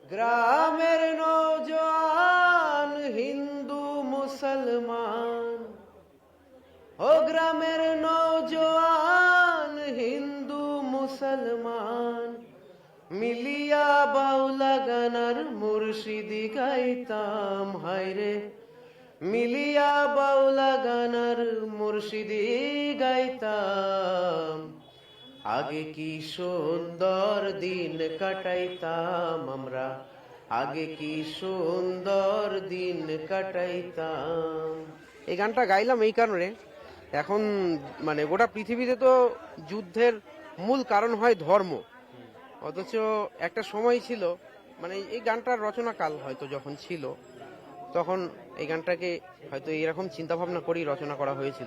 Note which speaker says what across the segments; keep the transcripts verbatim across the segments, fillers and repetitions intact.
Speaker 1: গ্রামের নৌজওয়ান হিন্দু মুসলমান, ও গ্রামের নৌজওয়ান হিন্দু মুসলমান, মিলিয়া বাউলা গানার মুর্শিদি গাইতাম হায়রে, মিলিয়া বাউলা গানার মুর্শিদি গাইতাম। আগে কি সুন্দর দিন কাটাইতাম আমরা, আগে কি সুন্দর দিন কাটাইতাম। এই গানটা গাইলাম এই কারণে, এখন মানে গোটা পৃথিবীতে তো যুদ্ধের মূল কারণ হয় ধর্ম, অথচ একটা সময় ছিল মানে এই গানটার রচনাকাল হয়তো যখন ছিল তখন এই গানটাকে হয়তো এরকম চিন্তা ভাবনা করেই রচনা করা হয়েছিল।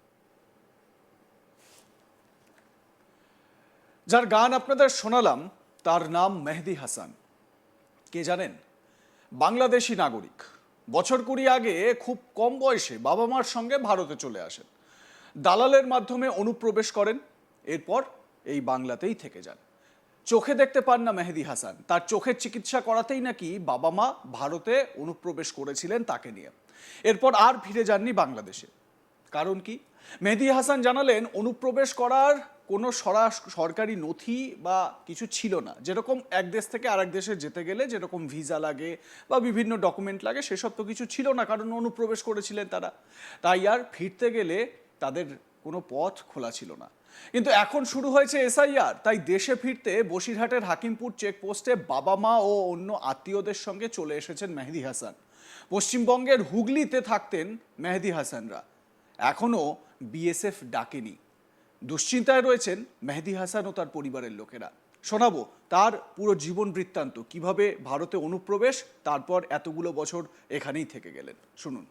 Speaker 2: যার গান আপনাদের শোনালাম তার নাম মেহেদী হাসান। কে জানেন? বাংলাদেশি নাগরিক। বছর কুড়ি আগে খুব কম বয়সে বাবা মার সঙ্গে ভারতে চলে আসেন, দালালের মাধ্যমে অনুপ্রবেশ করেন, এরপর এই বাংলাতেই থেকে যান। চোখে দেখতে পান না মেহেদী হাসান, তার চোখের চিকিৎসা করাতেই নাকি বাবা মা ভারতে অনুপ্রবেশ করেছিলেন তাকে নিয়ে। এরপর আর ফিরে যাননি বাংলাদেশে। কারণ কি? মেহেদী হাসান জানালেন অনুপ্রবেশ করার কোনো সরকারি নথি বা কিছু ছিল না। যেরকম এক দেশ থেকে আরেক দেশে যেতে গেলে যেরকম ভিসা লাগে বা বিভিন্ন ডকুমেন্ট লাগে সেসব তো কিছু ছিল না, কারণ অনুপ্রবেশ করেছিলেন তারা। তাই আর ফিরতে গেলে তাদের কোনো পথ খোলা ছিল না। কিন্তু এখন শুরু হয়েছে এসআইআর, তাই দেশে ফিরতে বসিরহাটের হাকিমপুর চেকপোস্টে বাবা মা ও অন্য আত্মীয়দের সঙ্গে চলে এসেছেন মেহেদী হাসান। পশ্চিমবঙ্গের হুগলিতে থাকতেন মেহেদী হাসানরা, এখনও বিএসএফ ডাকেনি। দুশ্চিন্তায় রয়েছেন মেহেদী হাসান ও তার পরিবারের লোকেরা। শোনাবো তার পুরো জীবন বৃত্তান্ত, কিভাবে ভারতে অনুপ্রবেশ, তারপর এতগুলো বছর এখানেই থেকে গেলেন। শুনুন।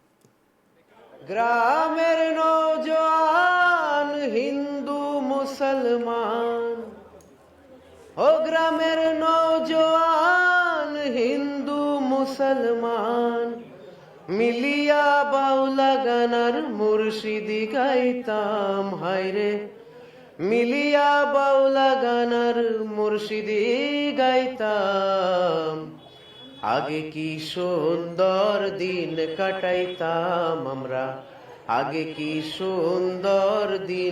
Speaker 1: গ্রামের নৌজওয়ান হিন্দু মুসলমান, ও গ্রামের নৌজওয়ান হিন্দু মুসলমান, মিলিয়া বাউলা গানার মুর্শিদি গাইতাম হায়রে, মিলিয়া বাউলা গানার মুর্শিদি গাইতাম। আগে কি সুন্দর দিন কাটাইতাম আমরা, আগে কি সুন্দর দিন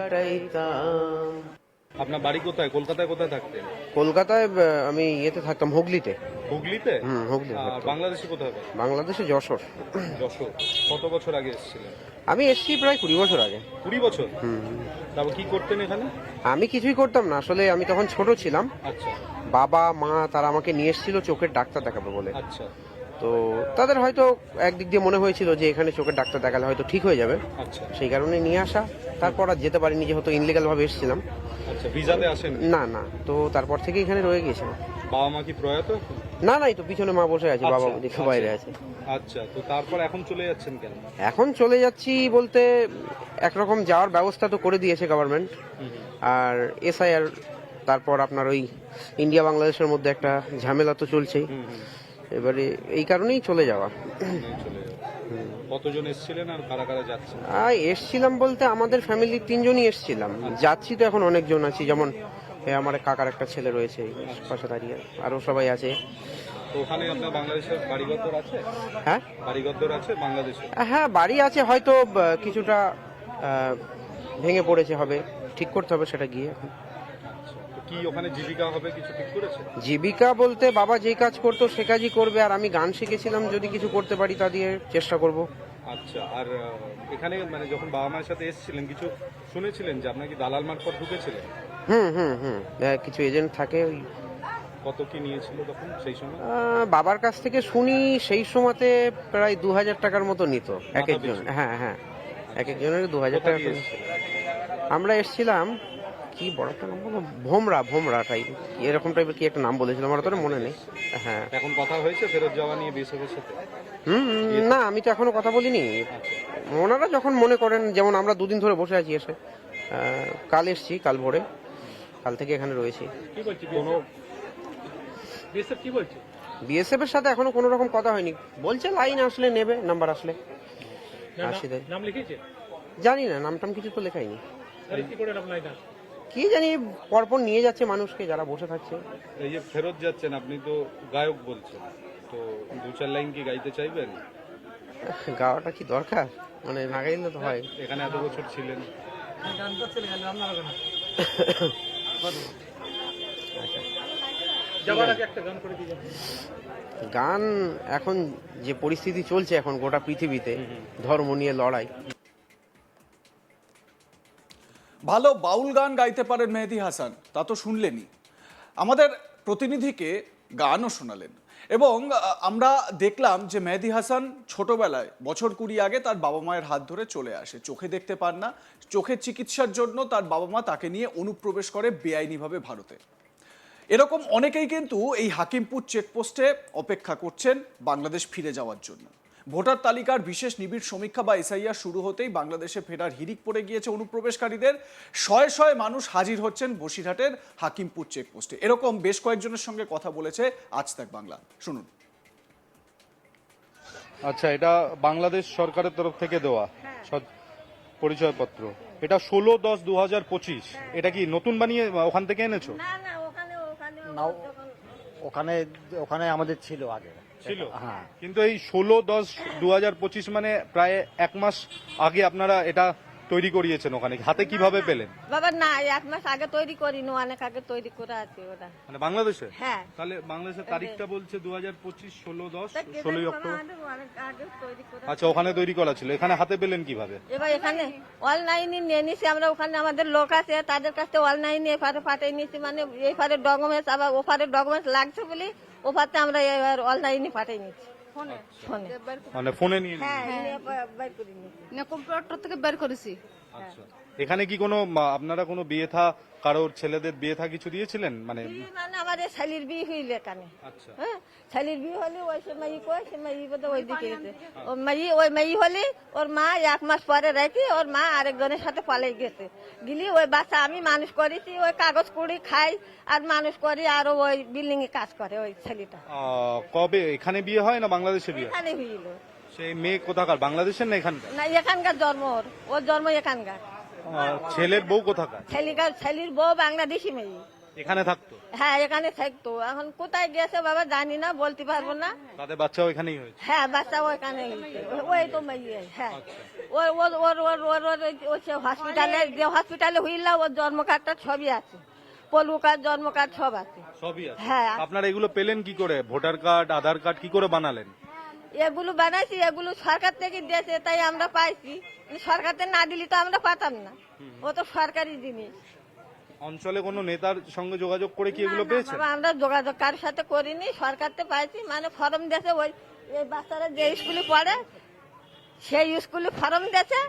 Speaker 1: কাটাইতাম।
Speaker 3: আপনার বাড়ি কোথায়? কলকাতায় কোথায় থাকতেন?
Speaker 1: কলকাতায় আহ, আমি ইয়েতে থাকতাম হুগলিতে।
Speaker 3: হুগলিতে?
Speaker 1: হুম, হুগলি
Speaker 3: আর
Speaker 1: থাকতাম।
Speaker 3: বাংলাদেশে কোথায়?
Speaker 1: বাংলাদেশে যশোর।
Speaker 3: যশোর। কত বছর আগে এসেছিলেন?
Speaker 1: আমি এসছি প্রায় কুড়ি বছর আগে।
Speaker 3: কুড়ি বছর?
Speaker 1: হুম।
Speaker 3: তারপর কি করতেন এখানে?
Speaker 1: আমি কিছুই করতাম না, আসলে আমি তখন ছোট ছিলাম।
Speaker 3: আচ্ছা
Speaker 1: বাবা মা তারা আমাকে নিয়ে এসেছিল চোখের ডাক্তার দেখাবে বলে।
Speaker 3: আচ্ছা
Speaker 1: তো তাদের হয়তো একদিক দিয়ে মনে হয়েছিল যে এখানে চোখের ডাক্তার দেখালে হয়তো ঠিক হয়ে যাবে,
Speaker 3: আচ্ছা
Speaker 1: সেই কারণে নিয়ে আসা। তারপর আর যেতে পারিনি, যেহেতু ইনলিগাল ভাবে এসেছিলাম।
Speaker 3: আচ্ছা ভিসাতে আসেন?
Speaker 1: না না, তো তারপর থেকে এখানে রয়ে গেছিলাম।
Speaker 3: বাবা মা কি প্রয়াত?
Speaker 1: না না, এই তো পিছনে মা বসে আছে, বাবা
Speaker 3: আচ্ছা,
Speaker 1: ওদিকে
Speaker 3: আচ্ছা।
Speaker 1: বাইরে আছে।
Speaker 3: আচ্ছা, তো তারপর এখন চলে যাচ্ছেন কেন?
Speaker 1: এখন চলে যাচ্ছি বলতে একরকম যাওয়ার ব্যবস্থা তো করে দিয়েছে গভর্নমেন্ট,
Speaker 3: হুম, হুম।
Speaker 1: আর এসআইআর, তারপর আপনার ওই ইন্ডিয়া বাংলাদেশের মধ্যে একটা ঝামেলা তো চলছেই।
Speaker 3: হুম, হুম।
Speaker 1: এবারে এই কারণেই চলে যাওয়া।
Speaker 3: নিয়ে চলে যাও। কতজন এসেছিলেন আর কারা কারা যাচ্ছেন?
Speaker 1: আর এসছিলাম বলতে আমাদের ফ্যামিলির তিনজনই এসছিলাম, যাচ্ছি তো এখন অনেকজন আছি, যেমন এ আমার কাকার একটা ছেলে রয়েছে এই পাশে দাঁড়িয়ে, আরও সবাই আছে।
Speaker 3: তো ওখানে আপনার বাংলাদেশের বাড়িঘর আছে?
Speaker 1: হ্যাঁ
Speaker 3: বাড়িঘর আছে বাংলাদেশে?
Speaker 1: হ্যাঁ, বাড়ি আছে, হয়তো আহ, কিছুটা আহ, ভেঙে পড়েছে, হবে ঠিক করতে হবে সেটা গিয়ে। এখন
Speaker 3: আচ্ছা, তো কি ওখানে জীবিকা হবে কিছু ঠিক করেছে?
Speaker 1: জীবিকা বলতে বাবা যেই কাজ করতো সে কাজই করবে, আর আমি গান শিখেছিলাম, যদি কিছু করতে পারি তা দিয়ে চেষ্টা করব।
Speaker 3: আচ্ছা, আর আহ, এখানে মানে যখন বাবা মায়ের সাথে এসেছিলেন কিছু শুনেছিলেন যে আপনার কি দালাল মারফত ঢুকেছিলেন?
Speaker 1: হুম হুম হুম আহ, কিছু এজেন্ট থাকে ওই।
Speaker 3: কত কি নিয়েছিল তখন সেই সময়?
Speaker 1: আহ, বাবার কাছ থেকে শুনি সেই সময়তে প্রায় দু হাজার টাকার মতো নিত এক
Speaker 3: মাথা
Speaker 1: একজন।
Speaker 3: পিছু?
Speaker 1: হ্যাঁ হ্যাঁ, এক একজনের দু হাজার
Speaker 3: কোথা
Speaker 1: টাকা
Speaker 3: দিয়ে
Speaker 1: করে।
Speaker 3: এসেছিলেন?
Speaker 1: আমরা এসেছিলাম কি বড় একটা নাম বলো, ভোমরা ভোমরা টাইপ এরকম টাইপের কি একটা নাম বলেছিল, আমার তো মনে নেই। হ্যাঁ।
Speaker 3: এখন কথা হয়েছে ফেরত যাওয়া নিয়ে বিএসএফের সাথে?
Speaker 1: হুম হুম, না আমি তো এখনো কথা বলিনি।
Speaker 3: আচ্ছা
Speaker 1: ওনারা যখন মনে করেন, যেমন আমরা দুদিন ধরে বসে আছি এসে, আহ, কাল এসছি, কাল ভোরে, কাল থেকে এখানে রয়েছি।
Speaker 3: কি বলছি কোনো বিএসএফ কি বলছে?
Speaker 1: বিএসএফ এর সাথে এখনো কোনো রকম কথা হয়নি, বলছে লাইন আসলে নেবে, নাম্বার আসলে আসি দেয়।
Speaker 3: নাম লিখেছে?
Speaker 1: জানি না, নাম টাম কিছু তো লেখাইনি।
Speaker 3: কি করে আপনার এটা?
Speaker 1: কি জানি পরপর নিয়ে যাচ্ছে মানুষকে, যারা বসে থাকছে।
Speaker 3: এই যে ফেরত যাচ্ছেন, আপনি তো গায়ক বলছেন, তো দু চার লাইন কি গাইতে চাইবেন?
Speaker 1: গাওয়াটা কি দরকার, মানে না গাইলে তো হয়।
Speaker 3: এখানে এত বছর ছিলেন।
Speaker 1: গান এখন যে পরিস্থিতি চলছে এখন গোটা পৃথিবীতে, ধর্ম নিয়ে লড়াই।
Speaker 2: ভালো বাউল গান গাইতে পারেন মেহেদী হাসান, তা তো শুনলেনই। আমাদের প্রতিনিধিকে গানও শোনালেন এবং আহ, আমরা দেখলাম যে মেহেদী হাসান ছোটবেলায় বছর কুড়ি আগে তার বাবা মায়ের হাত ধরে চলে আসে। চোখে দেখতে পান না, চোখের চিকিৎসার জন্য তার বাবা মা তাকে নিয়ে অনুপ্রবেশ করে বেআইনিভাবে ভারতে। এরকম অনেকেই কিন্তু এই হাকিমপুর চেকপোস্টে অপেক্ষা করছেন বাংলাদেশ ফিরে যাওয়ার জন্য। ভোটার তালিকার বিশেষ নিবিড় সমীক্ষা বা এসআইআর শুরু হতেই বাংলাদেশে ফেরার হিড়িক পড়ে গিয়েছে অনুপ্রবেশকারীদের। শয়ে শয়ে মানুষ হাজির হচ্ছেন বসিরহাটের হাকিমপুর চেকপোস্টে। এরকম বেশ কয়েকজনের সঙ্গে কথা বলেছে আজ তাক বাংলা, শুনুন।
Speaker 3: আচ্ছা, এটা বাংলাদেশ সরকারের তরফ থেকে দেওয়া সৎ- পরিচয়পত্র। এটা ষোলো দশ দু হাজার পঁচিশ। এটা কি নতুন বানিয়ে ওখান থেকে এনেছো?
Speaker 4: না না ওখানে ওখানে
Speaker 5: না, ওখানে ওখানে আমাদের ছিল আগে।
Speaker 3: ছিল,
Speaker 5: হ্যাঁ।
Speaker 3: কিন্তু এই ষোলো দশ দু হাজার পঁচিশ মানে প্রায় এক মাস আগে আপনারা এটা তৈরি করিয়েছেন। ওখানে হাতে কিভাবে পেলেন?
Speaker 4: বাবা না, এক মাস আগে তৈরি করিনি, অনেক আগে তৈরি করে আছে ওরা।
Speaker 3: মানে বাংলাদেশে?
Speaker 4: হ্যাঁ।
Speaker 3: তাহলে বাংলাদেশের তারিখটা বলছে দু হাজার পঁচিশ ষোলো দশ
Speaker 4: তা কে
Speaker 3: ষোলোই
Speaker 4: জানে,
Speaker 3: অক্টোবর।
Speaker 4: আমাদের অনেক আগে তৈরি করে।
Speaker 3: আচ্ছা, ওখানে তৈরি করা ছিল, এখানে হাতে পেলেন কিভাবে?
Speaker 4: এবার এখানে অনলাইনে নিয়ে নিছি আমরা, ওখানে আমাদের লোক আছে তাদের কাছে অনলাইনে এফারে পাঠিয়ে নিয়েছি, মানে এইফারে ডকুমেন্টস আবার ওফারে ডকুমেন্টস লাগছে বলে ওফারতে আমরা এবার অনলাইনে পাঠিয়ে নিচ্ছি ফোনে ফোনে
Speaker 3: মানে ফোনে নিয়ে
Speaker 4: হ্যাঁ
Speaker 3: নিলেন?
Speaker 4: নিয়ে বা- বাইর করে নিয়েছি।
Speaker 6: না কম্পিউটার থেকে বের করেছি।
Speaker 3: আচ্ছা, এখানে কি কোনো মা- আপনারা কোনো বিয়ে থা কারোর ছেলেদের বিয়ে থা কিছু দিয়েছিলেন? মানে
Speaker 4: বিয়ে মানে আমাদের শালির বিয়ে হইলে এখানে,
Speaker 3: আচ্ছা,
Speaker 4: হ্যাঁ শালির বিয়ে হলে ওই সে মাই কয় সে মাই বোধহয় ওই দিকে গেছে। ও মাই ওই মাই হলে ওর মা এক মাস পরে রেখে ওর মা আরেকজনের সাথে পালাই গেছে। গেলি ওই বাচ্চা আমি মানুষ করেছি, ওই কাগজ কুড়ি খাই আর মানুষ করি, আর ওই বিল্ডিং এ কাজ করে ওই ছেলেটা।
Speaker 3: আহ, কবে এখানে বিয়ে হয় না বাংলাদেশে বিয়ে হয়?
Speaker 4: এখানে হইল
Speaker 3: সেই মেয়ে কোথাকার, বাংলাদেশের না এখানকার?
Speaker 4: না, এখানকার জন্ম ওর, ওর জন্ম এখানকার।
Speaker 3: আহ, ছেলের বউ কোথাকার?
Speaker 4: ছেলিকার ছেলির বউ বাংলাদেশি মেয়ে।
Speaker 3: এখানে থাকতো?
Speaker 4: হ্যাঁ এখানে থাকতো, এখন কোথায় গেছে বাবা জানি না, বলতে পারবো না।
Speaker 3: তাদের বাচ্চাও এখানেই হয়েছে?
Speaker 4: হ্যাঁ বাচ্চা ওইখানে হয়েছে, ওই তো মেয়ে। হ্যাঁ ওর ওর ওর ওর ওর ওর ওই যে হসপিটালে যে হসপিটালে হইলা ওর জন্ম কার্ডটা ছবি আছে, পলু কার্ড জন্ম কার্ড সব আছে।
Speaker 3: সবই আছে?
Speaker 4: হ্যাঁ।
Speaker 3: আপনারা এগুলো পেলেন কি করে? ভোটার কার্ড আধার কার্ড কি করে বানালেন?
Speaker 4: এগুলো বানাইছি, এগুলো সরকার থেকে দিয়েছে তাই আমরা পাইছি, সরকার থেকে না দিলে তো আমরা পাতাম না, ও তো সরকারি জিনিস।
Speaker 3: অঞ্চলে কোনো নেতার সঙ্গে যোগাযোগ করে কি এগুলো
Speaker 4: না, না,
Speaker 3: পেয়েছেন?
Speaker 4: বাবা, আমরা যোগাযোগ কারোর সাথে করিনি, সরকার থেকে পাইছি, মানে ফর্ম দিয়েছে ওই এই বাচ্চারা যে স্কুলে পড়ে সেই স্কুলে ফর্ম দিয়েছে,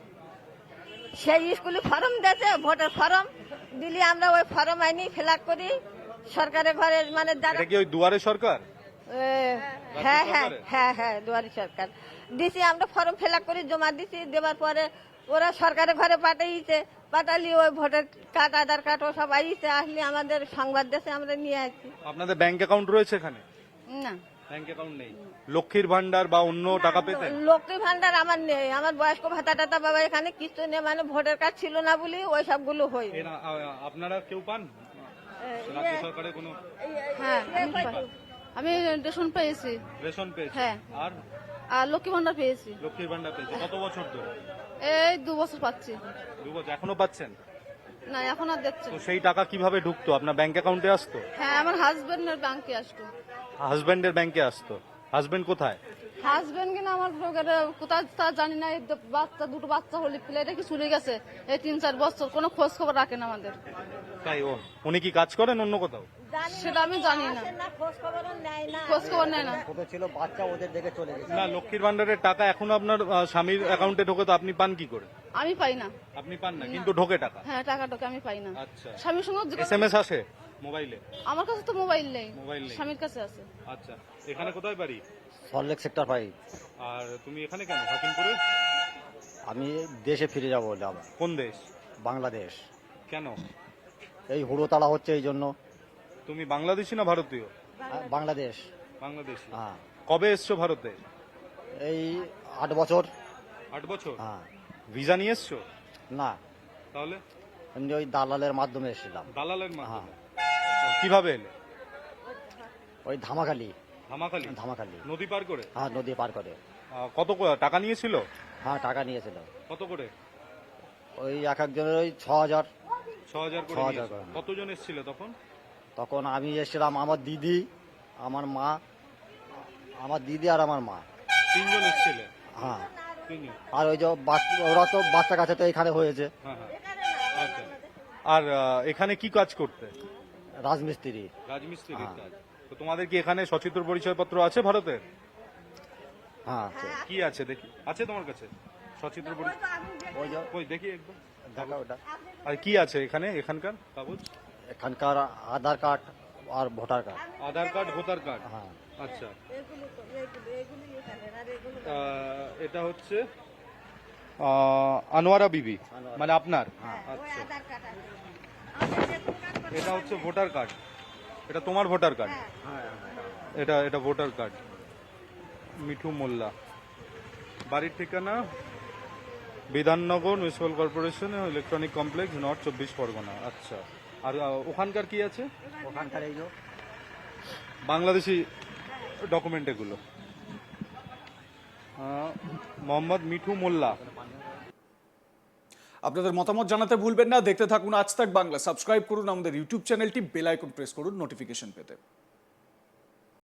Speaker 4: সেই স্কুলে ফর্ম দিয়েছে ভোটের ফর্ম দিলি আমরা ওই ফর্ম আইনি ফিল আপ করি সরকারের ঘরে, মানে যারা
Speaker 3: এটা কি ওই দুয়ারে সরকার?
Speaker 4: এ, হ্যাঁ হ্যাঁ হ্যাঁ হ্যাঁ দুয়ারি সরকার দিছি, আমরা ফর্ম ফিল আপ করে জমা দিছি, দেওয়ার পরে ওরা সরকারের ঘরে পাঠিয়েছে, পাঠালি ওই ভোটার কার্ড আধার কার্ড ও সব আইছে, আসলে আমাদের সংবাদ দেশে আমরা নিয়ে আসছি।
Speaker 3: আপনাদের ব্যাংক অ্যাকাউন্ট রয়েছে এখানে?
Speaker 6: না
Speaker 3: ব্যাংক অ্যাকাউন্ট নেই। লক্ষ্মীর ভান্ডার বা অন্য টাকা পেতেন?
Speaker 4: লক্ষ্মী ভান্ডার আমার নেই, আমার বয়স্ক ভাতা টাতা বাবা এখানে কিছু নেই, মানে ভোটার কার্ড ছিল না বলে ওই সবগুলো হই।
Speaker 3: এরা, আ- আপনারা কেউ পান রাজ্য সরকারের কোনো
Speaker 6: হ্যাঁ আমি পা- আমি রেশন পেয়েছি
Speaker 3: রেশন পেয়েছে?
Speaker 6: হ্যাঁ।
Speaker 3: আর
Speaker 6: আর লক্ষ্মী ভান্ডার পেয়েছি,
Speaker 3: লক্ষ্মীর ভান্ডার পেয়েছে কত বছর ধরে?
Speaker 6: এই দু বছর পাচ্ছি।
Speaker 3: দু বছর এখনো পাচ্ছেন?
Speaker 6: না এখন আর দেখছে
Speaker 3: তো সেই টাকা কিভাবে ঢুকতো? আপনার ব্যাংক অ্যাকাউন্টে আসতো?
Speaker 6: হ্যাঁ আমার হাজবেন্ডের ব্যাংকে আসতো।
Speaker 3: হাজবেন্ডের ব্যাংকে আসতো? হাজবেন্ড কোথায়?
Speaker 6: হাজবেন্ড কিনা আমার লোকের কোথায় তা জানি না, এই দ- বাচ্চা দুটো বাচ্চা হলে প্লেটে কি চলে গেছে এই তিন চার বছর, কোনো খোঁজ খবর রাখেন আমাদের।
Speaker 3: তাই ও উনি কি কাজ করেন অন্য কোথাও?
Speaker 4: জানি না,
Speaker 6: সেটা আমি জানি না,
Speaker 4: আসে না, খোঁজ খবরও নেয় না।
Speaker 6: খোঁজ খবর নেয় না।
Speaker 5: ছোট ছিল বাচ্চা, ওদের দেখে চলে গেছে।
Speaker 3: না, লক্ষ্মীর ভান্ডারের টাকা এখনো আপনার আহ, স্বামীর অ্যাকাউন্টে ঢোকে, তো আপনি পান কি করে?
Speaker 6: আমি পাই না।
Speaker 3: আপনি পান না, কিন্তু ঢোকে টাকা?
Speaker 6: হ্যাঁ টাকাটাকে আমি পাই না।
Speaker 3: আচ্ছা,
Speaker 6: স্বামীর সঙ্গে
Speaker 3: এস
Speaker 6: যোগাযোগ-
Speaker 3: এম এস আসে মোবাইলে?
Speaker 6: আমার কাছে তো মোবাইল নেই,
Speaker 3: মোবাইল নেই।
Speaker 6: স্বামীর কাছে আছে।
Speaker 3: আচ্ছা, এখানে কোথায় বাড়ি?
Speaker 5: Salt Lake sector five.
Speaker 3: আর তুমি এখানে কেন, হাকিমপুরে?
Speaker 5: আমি দেশে ফিরে যাবো বলে আবার,
Speaker 3: কোন দেশ?
Speaker 5: বাংলাদেশ।
Speaker 3: কেন?
Speaker 5: এই হুড়োতাড়া হচ্ছে এই জন্য।
Speaker 3: তুমি বাংলাদেশি না ভারতীয়?
Speaker 5: হ্যাঁ, বাংলাদেশ।
Speaker 3: বাংলাদেশি।
Speaker 5: হ্যাঁ,
Speaker 3: কবে এসছো ভারতে?
Speaker 5: এই আট বছর।
Speaker 3: আট বছর।
Speaker 5: হ্যাঁ।
Speaker 3: ভিসা নিয়ে এসছো?
Speaker 5: না,
Speaker 3: তাহলে
Speaker 5: এমনি ওই দালালের মাধ্যমে এসেছিলাম।
Speaker 3: দালালের
Speaker 5: হ্যাঁ,
Speaker 3: মাধ্যমে কিভাবে এলে?
Speaker 5: ওই ধামাখালি
Speaker 3: ধামাখালি
Speaker 5: ধামাখালি
Speaker 3: নদী পার করে?
Speaker 5: হ্যাঁ, নদী পার করে।
Speaker 3: আহ, কত ক- টাকা নিয়েছিল?
Speaker 5: হ্যাঁ, টাকা নিয়েছিল
Speaker 3: কত করে?
Speaker 5: ওই এক একজনের ওই ছ হাজার।
Speaker 3: ছ হাজার করে
Speaker 5: ছ হাজার
Speaker 3: নিয়েছিল।
Speaker 5: করে।
Speaker 3: কতজন এসেছিল তখন?
Speaker 5: তখন আমি এসেছিলাম, আমার দিদি, আমার মা, আমার দিদি আর আমার মা।
Speaker 3: তিনজন এসেছিল?
Speaker 5: হ্যাঁ,
Speaker 3: তিনজন।
Speaker 5: আর ওই যে বাচ- ওরা তো বাচ্চা কাছে তো এখানে হয়েছে,
Speaker 3: হ্যাঁ হ্যাঁ আচ্ছা। আর আহ, এখানে কি কাজ করতে?
Speaker 5: রাজমিস্ত্রি।
Speaker 3: রাজমিস্ত্রির
Speaker 5: হ্যাঁ।
Speaker 3: কাজ। তো তোমাদের কি এখানে সচিত্র পরিচয়পত্র আছে ভারতের?
Speaker 5: হ্যাঁ, আছে।
Speaker 3: কি আছে দেখি? আছে তোমার কাছে সচিত্র পরিচয়?
Speaker 5: ওই যে
Speaker 3: কই দেখি একবার।
Speaker 5: দেখা ওটা,
Speaker 3: আর কি আছে এখানে এখানকার কাগজ?
Speaker 5: এখানকার আধার কার্ড আর voter card.
Speaker 3: Aadhaar card, voter card.
Speaker 5: হ্যাঁ,
Speaker 3: আচ্ছা। আহ, এটা হচ্ছে আহ, আনোয়ারা বিবি, মানে আপনার? আচ্ছা। এটা হচ্ছে ভোটার কার্ড। এটা তোমার ভোটার কার্ড? এটা এটা ভোটার কার্ড। মিঠু মোল্লা, বাড়ির ঠিকানা Bidhannagar municipal corporation electronic complex, north চব্বিশ পরগনা। আচ্ছা। আর আহ, ওখানকার কি আছে?
Speaker 5: ওখানকার এই যে
Speaker 3: বাংলাদেশি ডকুমেন্ট এগুলো। আহ, মোহাম্মদ মিঠু মোল্লা।
Speaker 2: আপনাদের মতামত জানাতে ভুলবেন না। দেখতে থাকুন আজ তাক বাংলা। সাবস্ক্রাইব করুন আমাদের ইউটিউব চ্যানেলটি, বেল আইকন প্রেস করুন নোটিফিকেশন পেতে।